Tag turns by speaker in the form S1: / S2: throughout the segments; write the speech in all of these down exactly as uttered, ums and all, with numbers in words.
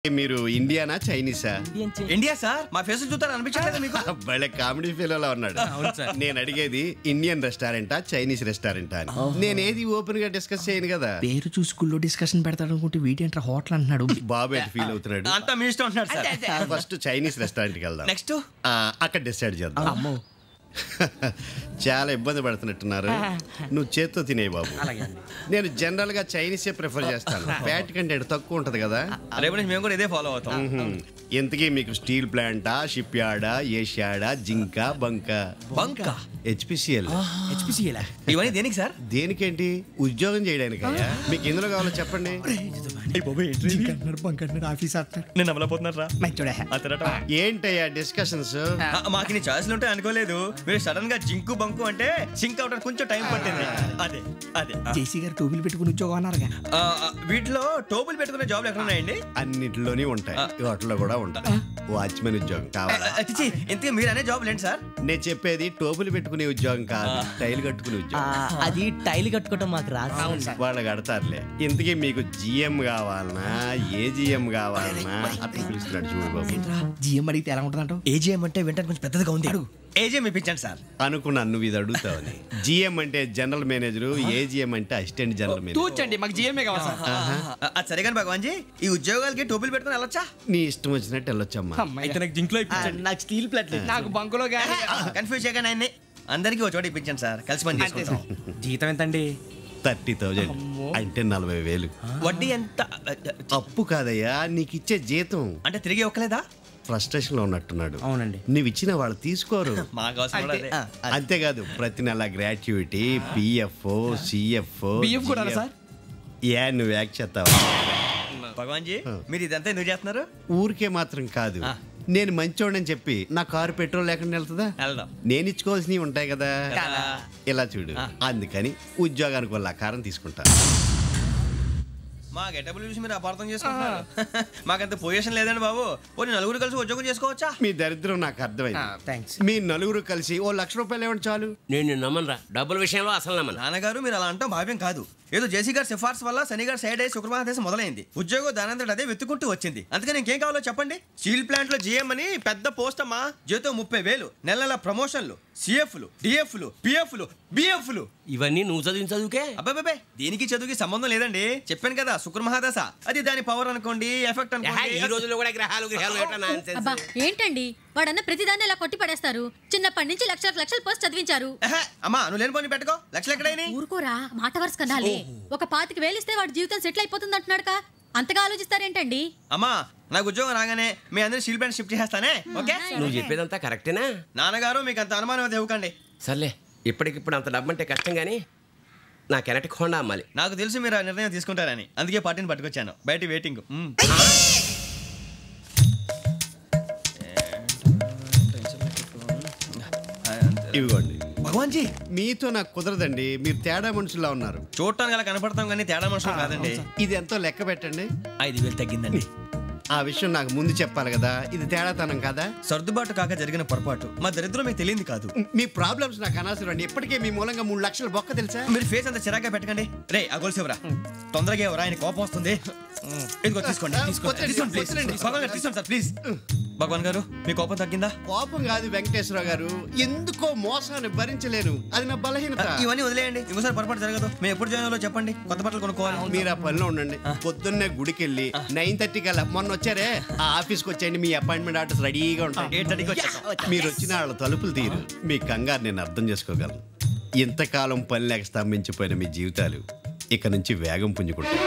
S1: మీరు ఇండియానా చైనీసా?
S2: India sir. మా ఫేస్ చూస్తారు అనిపించలేదు మీకు?
S1: భలే కామెడీ ఫీల్ ఉన్నాడు. నేను అడిగేది ఇండియన్ రెస్టారెంటా చైనీస్ రెస్టారెంటా అని. నేనేది ఓపెన్ గా డిస్కస్ చేయను కదా.
S3: పేరు చూసుకుల్లో డిస్కషన్ పెడతాడు అనుకుంటే వీటి ఏంట్రా హోటల్ అంటున్నాడు.
S1: బాబు ఎట్ ఫీల్ అవుతున్నాడు.
S2: అంతా మీ ఇష్టం ఉంటున్నాడు సార్.
S1: ఫస్ట్ చైనీస్ రెస్టారెంట్ కి వెళ్దాం.
S2: నెక్స్ట్
S1: అక్కడ డిసైడ్ చేద్దాం. చాలా ఇబ్బంది పడుతున్నట్టున్నారు. నువ్వు చేత్తో తినే బాబు. నేను జనరల్ గా చైనీసే ప్రిఫర్ చేస్తాను. ఫ్యాట్ కంటెంట్ తక్కువ ఉంటది కదా.
S2: రేపు నుంచి మేము కూడా ఇదే ఫాలో అవుతాం.
S1: ఎంతకీ మీకు స్టీల్ ప్లాంటా, షిప్ యార్డా, ఏషియాడా, జింక, బంక?
S2: బంక
S1: హెచ్పిసిఎల్.
S2: హెచ్పిసిఎల్ ఇవన్నీ దేనికి సార్?
S1: దేనికేంటి? ఉద్యోగం చేయడానికి. మీకు ఎందులో కావాలో చెప్పండి.
S2: నేను అమలపోతున్నారా?
S1: ఏంటయ్యా డిస్కషన్స్?
S2: మాకు నీ ఛాయిస్లు ఉంటాయి అనుకోలేదు. మీరు సడన్ గా జింకు బంకు అంటే సింక్ అవడానికి కొంచెం టైం పట్టింది. అదే అదే
S3: జేసీ గారు టోపీలు పెట్టుకుని ఉద్యోగం అన్నారుగా.
S2: వీటిలో టోపులు పెట్టుకునే జాబ్లు ఎక్కడ ఉన్నాయండి?
S1: అన్నిటిలోనే ఉంటాయి. వాటిలో కూడా ఉంటాయి. వాచ్మెన్ ఉద్యోగం కావాలా?
S2: ఇంతకీ మీరు అనే జాబ్ ఏంటి సార్?
S1: నేను చెప్పేది టోపులు పెట్టుకునే ఉద్యోగం కాదు, టైల్ కట్టుకునే ఉద్యోగం.
S4: అది టైల్ కట్టుకోవటం మాకు రాదు.
S1: వాళ్ళు కడతారులే. ఇంతకీ మీకు జిఎం కావాలనా, ఏ జిఎం కావాలనా? అట్లా పిలుస్తున్నాడు చూడు బాబు.
S3: జిఎం అడిగితే ఎలా ఉంటుందంట?
S2: ఏజిఎం అంటే వెంటనే కొంచెం పెద్దదిగా ఉంది. అడుగు. ఏజిఎం ఇప్పించండి సార్.
S1: అనుకున్నాను నువ్వు ఇది అడుగుతావని. జిఎం అంటే జనరల్ మేనేజర్, ఏజిఎం అంటే అసిస్టెంట్ జనరల్ మేనేజర్.
S3: చూచండి మాకు జిఎంఏ కావాలి సార్.
S2: అది సరే కానీ భగవాన్ జీ, ఈ ఉద్యోగాలకి టోపీలు పెట్టుకుని వెళ్ళొచ్చా?
S1: నీ ఇష్టం వచ్చినట్టు వెళ్ళొచ్చమ్మా.
S3: అయితే నాకు జింక్లో
S4: నాకు స్టీల్ ప్లేట్,
S3: నాకు బంకులో గానీ.
S2: కన్ఫ్యూజ్ చేయగానే ఆయన్ని అందరికీ ఒక చోట ఇప్పించండి సార్. కలిసి పని చేసుకుంటాం.
S3: జీతం ఎంతండి?
S1: థర్టీ థౌజండ్ అంటే నలభై వేలు.
S2: వడ్డీ ఎంత?
S1: అప్పు కాదయ్యా, నీకు ఇచ్చే జీతం.
S2: అంటే తిరిగి ఒక్కలేదా?
S1: ఫ్రస్ట్రేషన్ లో ఉన్నట్టున్నాడు.
S3: అవునండి.
S1: నువ్వు ఇచ్చిన వాళ్ళు తీసుకోరు. అంతేకాదు ప్రతి నెల గ్రాట్యుటీ, పిఎఫ్, సిఎఫ్. ఏ నువ్వు యాక్ట్ చేస్తావా?
S2: భగవాన్ జీ, మీరు ఇదంతా ఎందుకు చేస్తున్నారు?
S1: ఊరికే మాత్రం కాదు. నేను మంచోడని చెప్పి నా కారు పెట్రోల్ లేకుండా వెళ్తుందా? నేను ఇచ్చుకోవాల్సినవి ఉంటాయి కదా. ఇలా చూడు, అందుకని ఉద్యోగానికి వాళ్ళ ఆకారం తీసుకుంటా.
S2: మా గెటబుల్ చూసి మీరు అపార్థం చేసుకుంటున్నారు. మాకంత పొజిషన్ లేదండి బాబు. పోనీ నలుగురు కలిసి ఉద్యోగం చేసుకోవచ్చా?
S1: మీ దరిద్రం నాకు అర్థమైంది. మీ నలుగురు కలిసి ఓ లక్ష రూపాయలు ఇవ్వండి చాలు.
S5: నేను నమ్మనరా, డబ్బుల విషయంలో అసలు నమ్మను.
S2: నాన్నగారు మీరు అలా అంటాం భావ్యం కాదు. ఏదో జేసీ గారి సిఫార్సు వల్ల శని గారు సైడ్ అయ్యి శుక్రవారం దేశం మొదలైంది. ఉద్యోగం దానంతటి అదే వెతుకుంటూ వచ్చింది. అందుకని ఇంకేం కావాలో చెప్పండి. స్టీల్ ప్లాంట్ లో జిఎం అని పెద్ద పోస్ట్ అమ్మా. జీతం ముప్పై వేలు, నెల నెల ప్రమోషన్లు, సిఎఫ్లు, డిఎఫ్లు, పిఎఫ్లు, బిఎఫ్లు.
S5: ఇవన్నీ నువ్వు చదివిన చదువుకే?
S2: అబ్బాబే, దీనికి చదువుకి సంబంధం లేదండి. చెప్పాను కదా, శుక్ర మహాదశ. అది దాని పవర్ అనుకోండి, ఎఫెక్ట్ అనుకోండి.
S5: ఈ రోజుల్లో కూడా గ్రహాలు గ్రహాలు
S6: ఏంటండి వాడన్న ప్రతిదాన్ని ఇలా కొట్టి పడేస్తారు. చిన్నప్పటి నుంచి లక్షల లక్షల పోస్ట్ చదివించారు.
S2: అమ్మా నువ్వు లేని పోనీ పెట్టుకో. లక్షలు ఎక్కడైనా
S6: ఊరుకోరా, మాట వరుస కనాలి. ఒక పాతికి వేలిస్తే వాడి జీవితం సెటిల్ అయిపోతుంది అంటున్నాడుగా. అంతగా ఆలోచిస్తారేంటండి?
S2: అమ్మా నాకు ఉద్యోగం రాగానే మీ అందరూ స్టీల్ ప్లాంట్ షిఫ్ట్ చేస్తానే. ఓకే,
S5: నువ్వు చెప్పేదంతా కరెక్టేనా?
S2: నాన్నగారు మీకు అంత అనుమానం అయితే ఇవ్వకండి.
S5: సర్లే, ఇప్పటికిప్పుడు అంత డబ్బు అంటే కష్టం కానీ నా కెనటిక్ హోండా అమ్మాలి.
S2: నాకు తెలుసు మీరు ఆ నిర్ణయం తీసుకుంటారని, అందుకే పార్టీని పట్టుకొచ్చాను. బయట వెయిటింగ్.
S1: ఇవ్వండి.
S2: భగవాన్ జీ,
S1: మీతో నాకు కుదరదండి. మీరు తేడా మనుషుల్లా ఉన్నారు.
S2: చూడటానికి అలా కనపడతాం కానీ తేడా మనుషులు కాదండి.
S1: ఇది ఎంతో లెక్క పెట్టండి.
S2: ఐదు వేలు తగ్గిందండి.
S1: ఆ విషయం నాకు ముందు చెప్పాలి కదా. ఇది తేడాతనం కదా.
S2: సర్దుబాటు కాక జరిగిన పొరపాటు. మా దరిద్రం మీకు తెలియదు కాదు.
S1: మీ ప్రాబ్లమ్స్ నాకు అనవసరం అండి. ఇప్పటికే మీ మూలంగా మూడు లక్షల బొక్క తెలుసా.
S2: మీరు ఫేస్ అంత చిరాగ్గా పెట్టకండి. రే ఆ గొలుసేవరా, తొందరగా ఎవరా, ఆయన కోపం వస్తుంది. ఇదిగో తీసుకోండి, తీసుకోండి సార్ ప్లీజ్. భగవాన్ గారు మీ కోపం తగ్గిందా?
S1: కోపం కాదు వెంకటేశ్వర గారు, ఎందుకో మోసాన్ని భరించలేను. అది నా బలహీనత.
S2: ఇవన్నీ వదిలేయండి, ఇంకోసారి పొరపాటు జరగదు. మేము ఎప్పుడు జాయిన్ అవ్వాలో చెప్పండి, కొత్త బట్టలు కొనుక్కోవాలి.
S1: మీరు ఆ పనిలో ఉండండి. పొద్దున్నే గుడికి వెళ్ళి నైన్ థర్టీ కల్లా, మొన్న వచ్చారే ఆ ఆఫీస్కి వచ్చేయండి. మీ అపాయింట్మెంట్ ఆర్డర్స్ రెడీగా ఉంటాయి. మీరు వచ్చిన వాళ్ళ తలుపులు తీరు. మీ కంగారు నేను అర్థం చేసుకోగలను. ఇంతకాలం పని లేక స్తంభించిపోయిన మీ జీవితాలు ఇక నుంచి వేగం పుంజుకుంటాయి.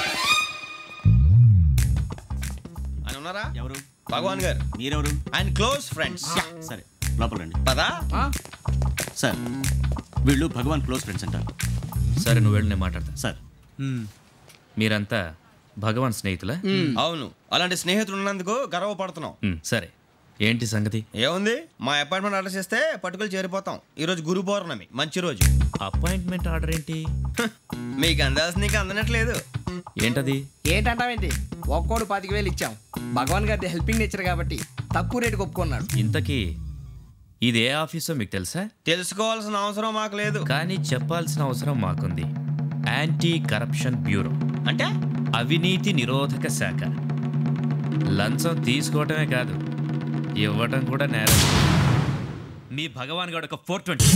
S2: ఉన్నారా?
S7: ఎవరు?
S2: భగవాన్ గారు.
S7: మీరెవరు?
S2: ఆయన క్లోజ్ ఫ్రెండ్స్.
S7: సరే లోపల రండి.
S2: పదా
S7: సార్, వీళ్ళు భగవాన్ క్లోజ్ ఫ్రెండ్స్ అంటారు.
S8: సరే నువ్వు వెళ్ళి నేను మాట్లాడతా.
S7: సార్,
S8: మీరంతా భగవాన్ స్నేహితులా?
S2: అవును, అలాంటి స్నేహితులు ఉన్నందుకు గర్వపడుతున్నాం.
S8: సరే ఏంటి సంగతి?
S2: ఏముంది, మా అపాయింట్మెంట్ ఆర్డర్ చేస్తే పట్టుకులు చేరిపోతాం. ఈ రోజు గురు పౌర్ణమి, మంచి రోజు.
S8: అపాయింట్మెంట్ ఆర్డర్ ఏంటి?
S2: మీకు అందాల్సిన నీకు అందనట్లేదు.
S8: ఏంటది?
S3: ఏంటంటావేంటి? ఒక్కోడు పాతిక వేలు ఇచ్చాం. భగవాన్ గారి హెల్పింగ్ నేచర్ కాబట్టి తక్కువ రేటుకి ఒప్పుకున్నాడు.
S8: ఇంతకీ ఇది ఏ ఆఫీసో మీకు తెలుసా?
S2: తెలుసుకోవాల్సిన అవసరం మాకు లేదు,
S8: కానీ చెప్పాల్సిన అవసరం మాకుంది. యాంటీ కరప్షన్ బ్యూరో
S2: అంటే
S8: అవినీతి నిరోధక శాఖ. లంచం తీసుకోవటమే కాదు ఇవ్వటం కూడా నేరం. మీ భగవాన్ గారు ఒక ఫోర్ ట్వంటీ.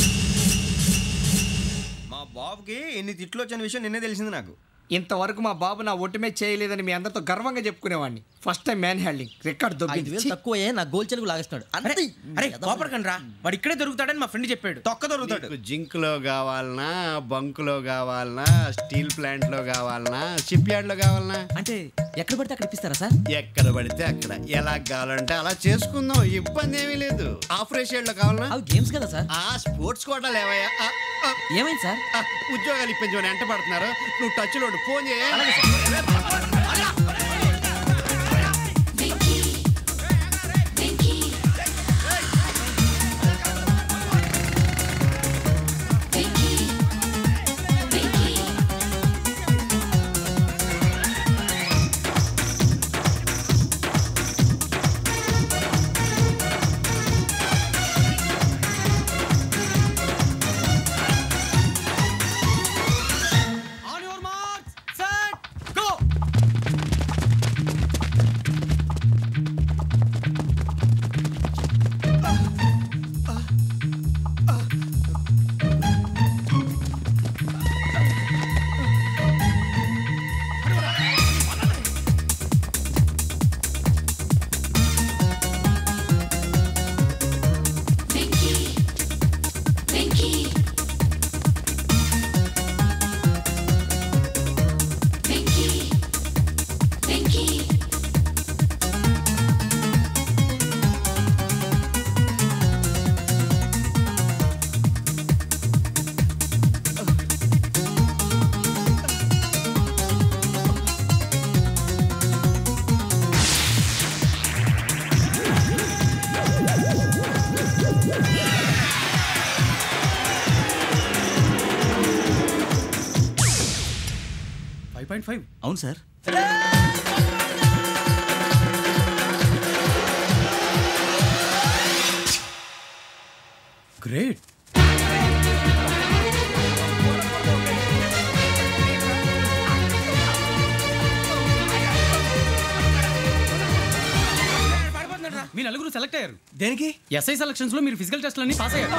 S2: మా బాబుకి ఎన్ని తిట్లు వచ్చిన విషయం నిన్నే తెలిసింది నాకు.
S3: ఇంతవరకు మా బాబు నా ఒట్టుమే చేయలేదని మీ అందరితో గర్వంగా చెప్పుకునేవాడిని. First time man handing record దొబ్బింది.
S4: తక్కువ నా గోల్ చెలుగు లాగేస్తున్నాడు.
S2: అరే కోపడకండి రా, వాడు ఇక్కడే దొరుకుతాడని మా ఫ్రెండ్ చెప్పాడు. తొక్క దొరుకుతాడు.
S1: జింక్ లో కావాలనా, బంక్ లో కావాలనా, స్టీల్ ప్లాంట్ లో కావాలనా, షిప్ యార్డ్ లో కావాలనా,
S4: అంటే ఎక్కడ పడితే అక్కడ ఇప్పిస్తారా సార్?
S1: ఎక్కడ పడితే అక్కడ ఎలా కావాలంటే అలా చేసుకుందాం. ఇబ్బంది ఏమీ లేదు. ఆపరేషన్ లో కావాలనా?
S4: అవి గేమ్స్ కదా సార్.
S1: ఆ స్పోర్ట్స్ కోటా లేవయ్యా. ఆ, ఆ,
S4: ఏమైంది సార్?
S1: ఆ, ఉద్యోగాలు ఇప్పించమని ఎంట పడుతున్నారు. నువ్వు టచ్ లో ఫోన్ చేయ.
S7: అవును సార్.
S2: గ్రేట్.
S9: మీ నలుగురు సెలెక్ట్ అయ్యారు.
S2: దేనికి?
S9: ఎస్ఐ సెలక్షన్స్ లో మీరు ఫిజికల్ టెస్ట్లన్నీ పాస్ అయ్యారు.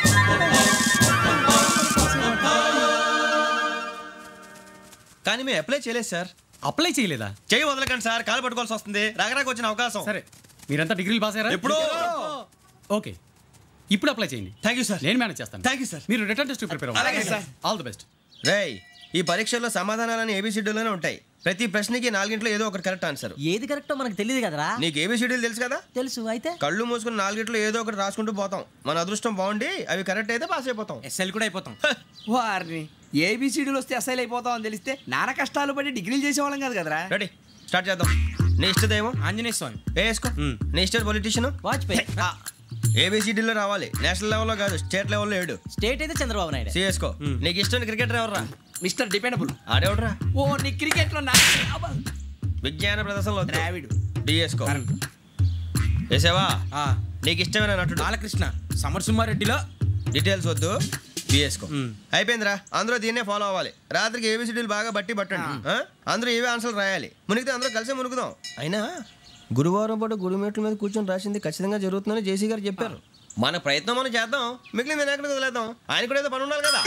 S2: కానీ మేము అప్లై చేయలేదు సార్.
S9: అప్లై చేయలేదా?
S2: చేయి వదలకండి సార్, కాలు పట్టుకోవాల్సి వస్తుంది. రాగరాకు వచ్చిన అవకాశం.
S9: సరే, మీరంతా డిగ్రీలు పాస్ అయ్యారా?
S2: ఎప్పుడో.
S9: ఓకే, ఇప్పుడు అప్లై చేయండి.
S2: Thank you sir.
S9: నేను మేనేజ్ చేస్తాను.
S2: Thank you sir.
S9: మీరు రిటర్న్ టెస్ట్ ప్రిపేర్ అవ్వండి.
S2: అలాగే సార్.
S9: All the best.
S2: రేయ్, ఈ పరీక్షల్లో సమాధానాలని ఏబిసిడ్యూల్లోనే ఉంటాయి. ప్రతి ప్రశ్నకి నాలుగింట్లో ఏదో ఒకటి కరెక్ట్ ఆన్సర్.
S4: ఏది కరెక్టో మనకు తెలియదు కదరా.
S2: నీకు ఏబిసిడ్యూల్ తెలుసు కదా?
S4: తెలుసు. అయితే
S2: కళ్ళు మూసుకుని నాలుగింట్లో ఏదో ఒకటి రాసుకుంటూ పోతాం. మన అదృష్టం బాగుండి అవి కరెక్ట్ అయితే పాస్ అయిపోతాం.
S9: ఎస్ఎల్ కూడా అయిపోతాం.
S3: వారిని ఏబిసిడీలు వస్తే అసైల్ అయిపోతాం అని తెలిస్తే నాన్న కష్టాలు పడి డిగ్రీలు చేసేవాళ్ళం కాదు కదరా.
S2: రెడీ, స్టార్ట్ చేద్దాం. నీ ఇష్టదేమో
S9: ఆంజనేయ స్వామి.
S2: వేసుకో. నీ ఇష్ట పొలిటీషియన్
S4: వాజ్పేయి.
S2: ఏబిసిడీలో రావాలి. నేషనల్ లెవెల్లో కాదు, స్టేట్ లెవెల్లో ఏడు.
S4: స్టేట్ అయితే చంద్రబాబు నాయుడు.
S2: సిఎస్కో. నీకు ఇష్టం క్రికెటర్ ఎవర్రా?
S3: Mister dependable.
S2: ఆడేవడరా?
S3: ఓ నీ క్రికెట్ లో నా
S2: విజ్ఞాన ప్రదర్శనలో
S3: ద్రావిడు.
S2: డిఎస్కో. వేసావా? నీకు ఇష్టమైన నటుడు?
S9: బాలకృష్ణ. సమర్ సుమారెడ్డిలో
S2: డీటెయిల్స్ వద్దు, బిఎస్కో. అయిపోయిందిరా. అందరూ దీన్నే ఫాలో అవ్వాలి. రాత్రికి ఏబిసిడీలు బాగా బట్టి పట్టండి. ఆ? అందరూ ఏవే ఆన్సర్లు రాయాలి. మునిగితే అందరూ కలిసి మునుగుదాం. అయినా గురువారం పాటు గురుమేట్ల మీద కూర్చొని రాసింది ఖచ్చితంగా జరుగుతుందని జేసీ గారు చెప్పారు. మన ప్రయత్నం మనం చేద్దాం, మిగిలింది నేను ఎక్కడికి వదిలేద్దాం. ఆయన కూడా ఏదో పని ఉండాలి కదా.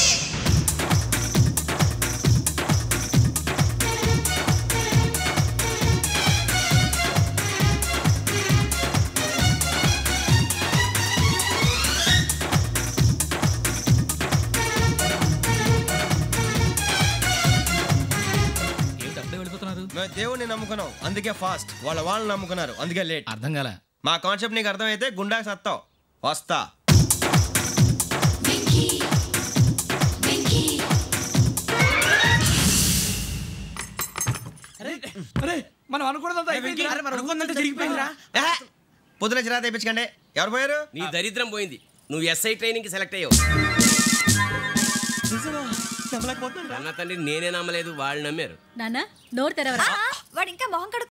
S2: మేము దేవుడిని నమ్ముకున్నాం, అందుకే ఫాస్ట్. వాళ్ళ వాళ్ళు నమ్ముకున్నారు, అందుకే లేట్.
S9: అర్థం కాలే.
S2: మా కాన్సెప్ట్ నీకు అర్థమైతే గుండాకి సత్తావు. వస్తా.
S3: మనం అనుకున్నదంతా
S9: జరిగిపోయిందిరా.
S2: పొద్దున చిరా తెప్పించకండి. ఎవరు పోయారు?
S5: నీ దరిద్రం పోయింది. నువ్వు ఎస్ఐ ట్రైనింగ్ కి సెలెక్ట్ అయ్యావు. అన్న తండ్రి నేనే నమ్మలేదు, వాళ్ళు నమ్మారు.
S6: నాన్న నోరు తెరవరా.
S10: వాడు ఇంకా మొహం కడు